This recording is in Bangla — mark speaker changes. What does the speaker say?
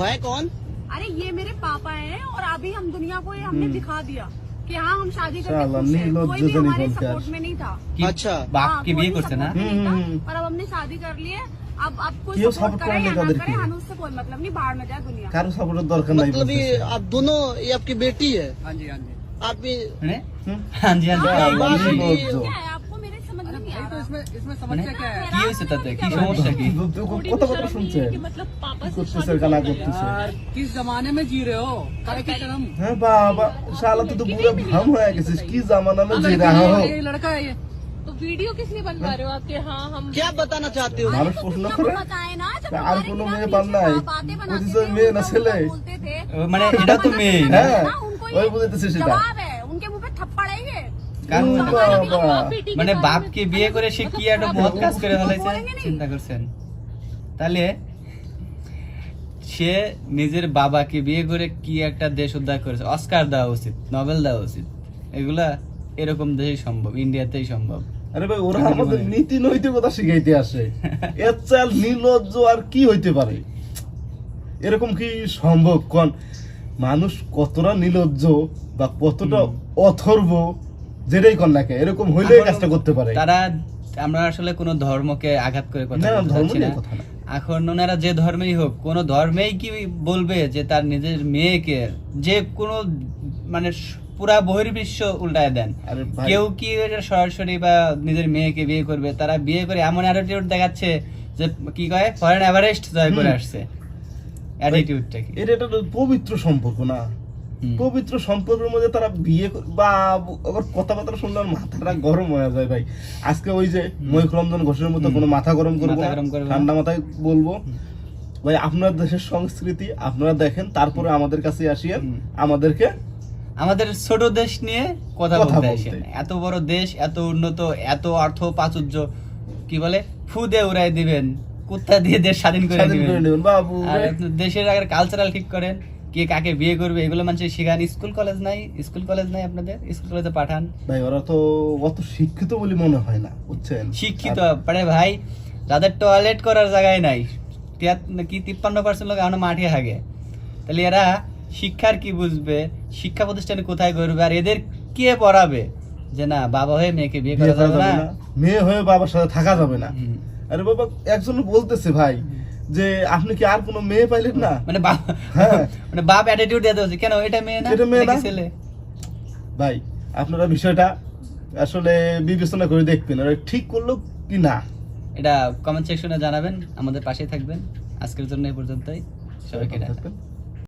Speaker 1: है कौन?
Speaker 2: अरे ये मेरे पापा हैं और अभी हम दुनिया को ये हमने दिखा दिया कि हाँ हम शादी करके
Speaker 3: साला,
Speaker 2: खुश हैं।
Speaker 3: नीलो
Speaker 2: कोई भी
Speaker 3: जुजनी
Speaker 2: हमारे
Speaker 3: बनकर।
Speaker 2: सपोर्ट में नहीं था।
Speaker 1: अच्छा
Speaker 4: বাপ
Speaker 2: हाँ,
Speaker 4: কি
Speaker 2: कोई
Speaker 4: বিয়ে
Speaker 2: भी
Speaker 4: করছে না
Speaker 2: support में नहीं था, पर अब हमने शादी कर ली है। अब कोई
Speaker 3: क्यों
Speaker 2: सपोर्ट
Speaker 3: support
Speaker 2: करे
Speaker 3: करने
Speaker 2: या
Speaker 3: का
Speaker 2: ना
Speaker 3: दरकार
Speaker 2: करे
Speaker 3: है?
Speaker 2: हमें उससे कोई मतलब नहीं, बाहर में जाए दुनिया।
Speaker 3: কারো সাপোর্টের দরকার নাই
Speaker 1: मतलब ये
Speaker 3: বলতেছে।
Speaker 1: आप दोनों, ये आपकी बेटी है?
Speaker 5: हाँ जी हाँ जी।
Speaker 1: आप भी
Speaker 4: মানে
Speaker 3: হুম?
Speaker 4: হ্যাঁ জি হ্যাঁ জি।
Speaker 3: বাবা,
Speaker 1: बाप भी-
Speaker 3: নির্লজ্জ।
Speaker 2: क्या है आपको मेरे समझ में नहीं आ
Speaker 5: भाई तो
Speaker 2: रहा।
Speaker 5: इसमें समस्या क्या है?
Speaker 4: কি হয়েছে তাতে কি সমস্যা কি
Speaker 3: কত কথা শুনছেন?
Speaker 2: मतलब पापा
Speaker 3: কি করতেছে, গালা করতেছে।
Speaker 5: यार किस जमाने में जी रहे हो? काय की तरम?
Speaker 3: হ্যাঁ বাবা, শালা তুই তো পুরো ভাম হয়ে গেছিস। কি জামানা में जी रहा हो?
Speaker 5: ये लड़का है ये।
Speaker 2: तो वीडियो किस लिए बनवा रहे हो आपके? हाँ हम
Speaker 1: क्या बताना चाहते हो?
Speaker 3: মানুষ প্রশ্ন করে
Speaker 2: बताए ना जब
Speaker 3: আর
Speaker 2: हमारे
Speaker 3: কোনো
Speaker 2: खिलाफ
Speaker 3: মেয়ে
Speaker 2: नीचे
Speaker 3: পান নাই।
Speaker 2: बातें बनाते
Speaker 3: বুঝিস
Speaker 2: थे,
Speaker 3: মেয়ে না
Speaker 2: उल्टा
Speaker 3: ছেলে?
Speaker 2: बोलते थे।
Speaker 4: মানে এটা তো মেয়ে না
Speaker 3: হ্যাঁ
Speaker 2: हाँ, उनको
Speaker 3: ওই
Speaker 2: ये
Speaker 3: বুঝতেছিস সেটা।
Speaker 2: जवाब है, उनके मुंह पे थप्पड़ है ये।
Speaker 4: কারণ
Speaker 3: ও বাবা,
Speaker 4: মানে বাপকে বিয়ে করে সে কি একটা মহৎ কাজ করে ফেলাইছে চিন্তা করছেন। তাহলে সে নিজের বাবাকে বিয়ে করে কি একটা দেশ উদ্ধার করেছে, অস্কার দেওয়া উচিত, নোবেল দেওয়া উচিত। এগুলা এরকম দেশেই সম্ভব, ইন্ডিয়াতেই সম্ভব।
Speaker 3: আরে ভাই ওরা আমাদের নীতি নৈতিকতা শিখাইতে আসে। এর চাল নির্লজ্জ আর কি হইতে পারে? এরকম কি সম্ভব? কোন মানুষ কতটা নির্লজ্জ বা কতটা অথর্ব, যেটাই কর না কে, এরকম হইলে এই কাজটা করতে পারে।
Speaker 4: তারা আমরা আসলে কোনো ধর্মকে আঘাত করে কথা
Speaker 3: না,
Speaker 4: বলতে
Speaker 3: ধর্ম
Speaker 4: চাচ্ছি
Speaker 3: নিয়ে
Speaker 4: না।
Speaker 3: কথা না।
Speaker 4: এখন ওনারা যে ধর্মেই হোক, কোন ধর্মেই কি বলবে যে তার নিজের মেয়েকে যে কোনো মানে পুরা বহির্বিশ্ব উল্টায় দেন?
Speaker 3: আরে ভাই,
Speaker 4: কেউ কি এটা সরাসরি বা নিজের মেয়েকে বিয়ে করবে? তারা বিয়ে করে এমন অ্যাটিটিউড দেখাচ্ছে যে কি কয় ফরেন এভারেস্ট জয় করে আসছে। অ্যাটিটিউডটা কি?
Speaker 3: এটা একটা পবিত্র সম্পর্ক না?
Speaker 4: হুম।
Speaker 3: পবিত্র সম্পর্কের মধ্যে তারা বিয়ে বা আবার কথাবার্তা শুনলে আমার মাথাটা গরম হয়ে যায় ভাই। আজকে ওই যে মহিরঞ্জন ঘোষের মতো কোনো মাথা গরম করবো
Speaker 4: মাথা
Speaker 3: না,
Speaker 4: গরম করবো না।
Speaker 3: ঠান্ডা মাথায় বলবো ভাই আপনার দেশের সংস্কৃতি আপনারা দেখেন, তারপরে আমাদের কাছে আসিয়েন, আমাদেরকে
Speaker 4: আমাদের ছোট দেশ নিয়ে কথা
Speaker 3: কথা
Speaker 4: বলতে
Speaker 3: বলতে।
Speaker 4: আসেন। এত বড় দেশ, এত উন্নত, এত অর্থ প্রাচুর্য, কি বলে ফুদে উড়াই দিবেন, কুত্তা দিয়ে দেশ স্বাধীন করে
Speaker 3: স্বাধীন করে
Speaker 4: দিবেন।
Speaker 3: নেবেন বাবু।
Speaker 4: আর আপনি দেশের আগে কালচারাল ঠিক করেন, কে কাকে বিয়ে করবে এগুলো মানুষের শেখান। স্কুল কলেজ নাই, স্কুল কলেজ নাই আপনাদের, স্কুল কলেজে পাঠান।
Speaker 3: ভাই ওরা তো অত শিক্ষিত বলে মনে হয় না, বুঝছেন?
Speaker 4: শিক্ষিত পারে ভাই, যাদের টয়লেট করার জায়গায় নাই, কি 53% লোক এখনো মাঠে হাগে, তাহলে এরা শিক্ষার কি বুঝবে? শিক্ষা প্রতিষ্ঠানে কোথায় করবে? আর এদের কে পড়াবে যে না বাবা হয়ে মেয়েকে বিয়ে
Speaker 3: বিয়ে
Speaker 4: করা
Speaker 3: করা
Speaker 4: যাবে
Speaker 3: যাবে
Speaker 4: না?
Speaker 3: না, মেয়ে হয়ে বাবার সাথে থাকা যাবে না।
Speaker 4: হুম।
Speaker 3: আরে বাবা, একজন বলতেছে ভাই যে আপনি কি আর কোনো মেয়ে পাইলেন না?
Speaker 4: মানে বাপ,
Speaker 3: হ্যাঁ।
Speaker 4: মানে বাপ অ্যাটিটিউড দিয়ে দেওয়া কেন এটা মেয়ে না,
Speaker 3: এটা মেয়ে
Speaker 4: এটা কি
Speaker 3: না?
Speaker 4: ছেলে?
Speaker 3: ভাই আপনারা বিষয়টা আসলে বিবেচনা করে দেখবেন, ওরা ঠিক করলো কি না।
Speaker 4: এটা কমেন্ট সেকশনে জানাবেন, আমাদের পাশেই থাকবেন। আজকের জন্য এই পর্যন্তই, সবাইকে টাটা।
Speaker 3: থাকবেন।